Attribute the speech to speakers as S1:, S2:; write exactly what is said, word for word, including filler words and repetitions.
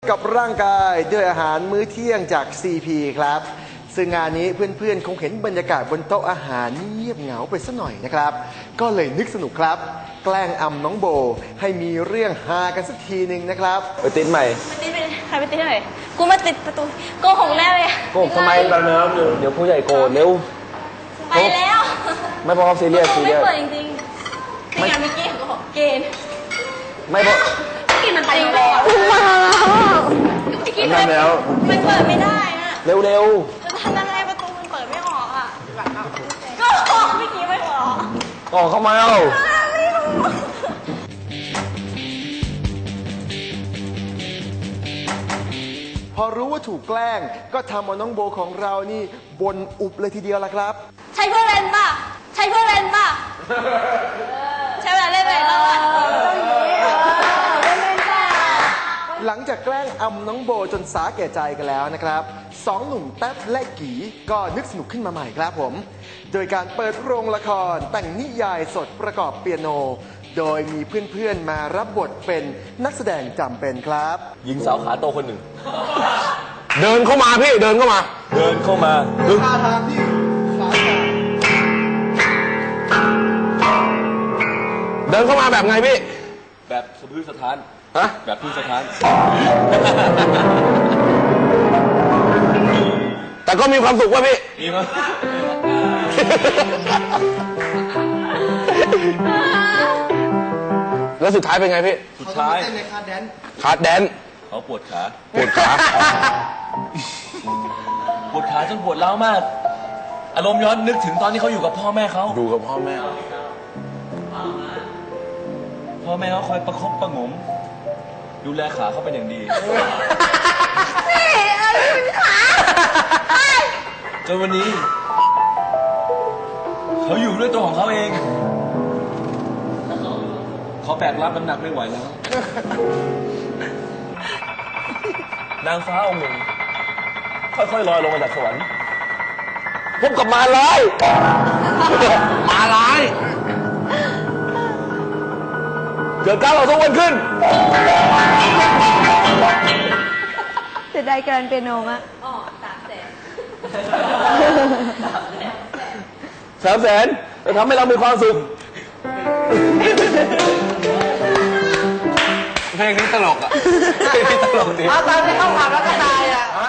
S1: กับร่างกายด้วยอาหารมื้อเที่ยงจาก ซี พี ครับซึ่งงานนี้เพื่อนๆคงเห็นบรรยากาศบนโต๊ะอาหารเงียบเหงาไปสักหน่อยนะครับก็เลยนึกสนุกครับแกล้งอำน้องโบให้มีเรื่องฮากันสักทีหนึ่งนะครับ
S2: ไปติดใหม่
S3: ไปติดไปใครไปติดไหนกูมาติดประตูโกหกแน่เลย
S2: โกหกทำไมตอนนี้เดี๋ยวผู้ใหญ่โกรธเร็ว
S3: ไปแล้ว
S2: ไม่เพราะเขาซีเรียสซีเรียส
S3: ไม่เปิดจริงๆไม่งั้นเมื่อกี้เขาบอกเกณฑ์
S2: ไม่เพราะ
S3: กินมันไปแล้วมาแล้วมันเปิดไม่ได้อะ
S2: เร็วเร็ว
S3: จะทำยังไงประตูมันเปิดไม่ออกอ่ะก็ออกเมื่อกี้ไม่ออก
S2: ออกเข้ามาเอา
S3: ไม่รู้
S1: พอรู้ว่าถูกแกล้งก็ทำเอาน้องโบของเรานี่บนอุบเลยทีเดียวละครับ
S3: ใช้เพื่อเล่นป่ะใช้เพื่อเล่นป่ะใช้เวลาเล่นไปแล้วอ่ะ
S1: หลังจากแกล้งอำน้องโบจนสาแก่ใจกันแล้วนะครับสองหนุ่มแต๊บและกีก็นึกสนุกขึ้นมาใหม่ครับผมโดยการเปิดโรงละครแต่งนิยายสดประกอบเปียโนโดยมีเพื่อนๆมารับบทเป็นนักแสดงจำเป็นครับ
S2: หญิงสาวขาโตคนหนึ่งเดินเข้ามาพี่เดินเข้ามาเดินเข้ามาท่าทางที่ขาเดินเข้ามาแบบไงพี่แบบสะพื้นสะท้านฮะแบบพื้นสะท้านแต่ก็มีความสุขว่ะพี่มีมั้ยแล้วสุดท้ายเป็นไงพี่สุดท้ายคาร์ดแดนคาร์ดแดนเขาปวดขาปวดขาปวดขาจนปวดร้าวมากอารมณ์ย้อนนึกถึงตอนที่เขาอยู่กับพ่อแม่เขาอยู่กับพ่อแม่พ่อแม่เขาคอยประคบประงมดูแลขาเขาเป็นอย่างดีนี่อะไรเป็นขาจนวันนี้เขาอยู่ด้วยตัวของเขาเองเขาแบกรับน้ำหนักไม่ไหวแล้วนางฟ้าองค์หนึ่งค่อยๆลอยลงมาจากสวรรค์พบกับมาลายมาลายเกิดการต่อสู้กันขึ้น
S3: จะได้การเปียโนมะอ๋อสามแสน
S2: สามแสนจะทำให้เรามีความสุขเพลงนี้ตลกอ่ะเพลงนี้ตลกดี
S3: เอาตอนที่เข้าผับแล้วก็ตายอ่ะ